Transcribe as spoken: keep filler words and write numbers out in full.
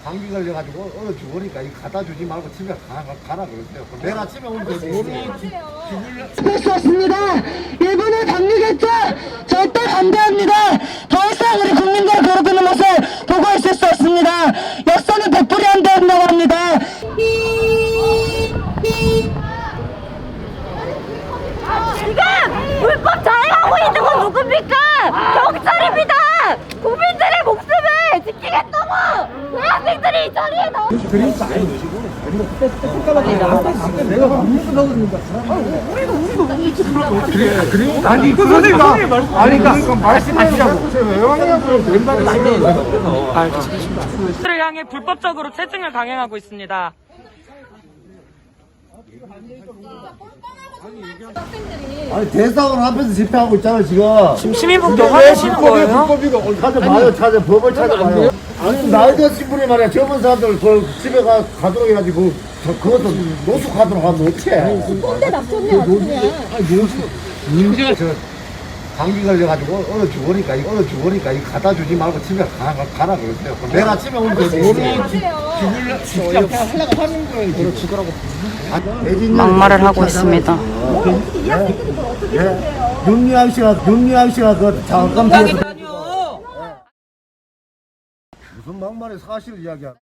감기 걸려가지고 얼어 죽으니까 이 갖다 주지 말고 집에 가, 가라 그러세요. 내일 아침에 오면 되지. 했었습니다. 일본의 방류겠죠? 절대 반대합니다. 더 이상 우리 국민들을 괴롭히는 모습 보고 있을 수 없습니다. 역사는 되풀이 안 된다고 합니다. 지금 불법 자행하고 있는 건 누굽니까? 경찰입니다. 국민들의 목숨을 지키겠다고 대학생들이 이 자리에 나와. 아니 그 선생님 아니 그러니까 말씀하시라고 왼발을 를 향해 불법적으로 채증을 강행하고 있습니다. 아니 대사관 앞에서 집회하고 있잖아 지금. 지금 시민분께 왜 화내시는 불법이야 거예요? 불법이고 찾아봐요 찾아 법을 찾아봐요. 아니 나이 드신 분이 말이야 젊은 사람들 그 집에 가 가도록 해가지고 저, 그것도 노숙하도록 하면 어떡해. 꼰대 납쳤네 아주 그냥. 아니 노숙 문제가 저 감기 걸려가지고 얼어 죽으니까 얼어 죽으니까 이 갖다 주지 말고 집에 가, 가라 그러세요. 내일 아침에 오면 되지. 막말을 하고 있습니다. 윤유한 씨가 윤유한 씨가 그 잠깐 들어서 무슨 막말에 사실을 이야기야.